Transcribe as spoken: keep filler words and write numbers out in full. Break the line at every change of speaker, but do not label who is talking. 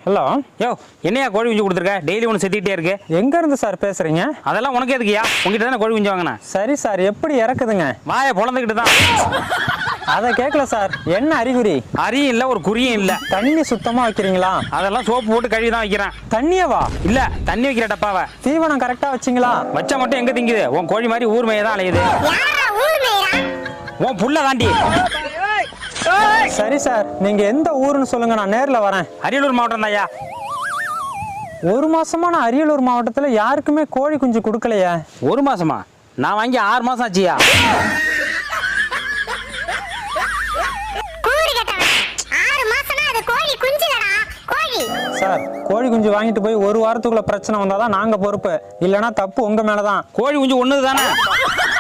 Hello.
யோ என்னையா கோழி குஞ்சு கொடுத்துருக்க? டெய்லி ஒன்று செத்திக்கிட்டே இருக்கு.
எங்க இருந்து சார் பேசுறீங்க?
அதெல்லாம் உனக்கு எதுக்குயா? உங்ககிட்ட தானே கோழி குஞ்சு வாங்கினேன்.
சரி சார், எப்படி இறக்குதுங்க?
வாயை பொழந்துக்கிட்டு தான்.
அதை கேட்கல சார். என்ன அறிகுறி?
அரியும் இல்லை, ஒரு குறியும் இல்லை.
தண்ணி சுத்தமா வைக்கிறீங்களா?
அதெல்லாம் சோப்பு போட்டு கழுவி தான் வைக்கிறேன்.
தண்ணியவா?
இல்ல, தண்ணி வைக்கிற டப்பாவை.
தீவனம் கரெக்டா வச்சிங்களா?
வச்சா மட்டும் எங்க திங்குது? உன் கோழி மாதிரி ஊர் மேய தான் அலையுது. உன் புள்ள தாண்டி.
சரி சார், நீங்க எந்த ஊருன்னு சொல்லுங்க, நான் நேர்ல வரேன்.
அரியலூர் மாவட்டம் தான்யா.
ஒரு மாசமா நான் அரியலூர் மாவட்டத்துல யாருக்குமே கோழி குஞ்சு கொடுக்கலையே.
ஒரு மாசமா? நான் வாங்கி ஆறு மாசம் ஆச்சியா.
சார், கோழி குஞ்சு வாங்கிட்டு போய் ஒரு வாரத்துக்குள்ள பிரச்சனை வந்தாதான் நாங்க பொறுப்பு, இல்லைன்னா தப்பு உங்க மேலதான்.
கோழி குஞ்சு ஒண்ணுது தானே.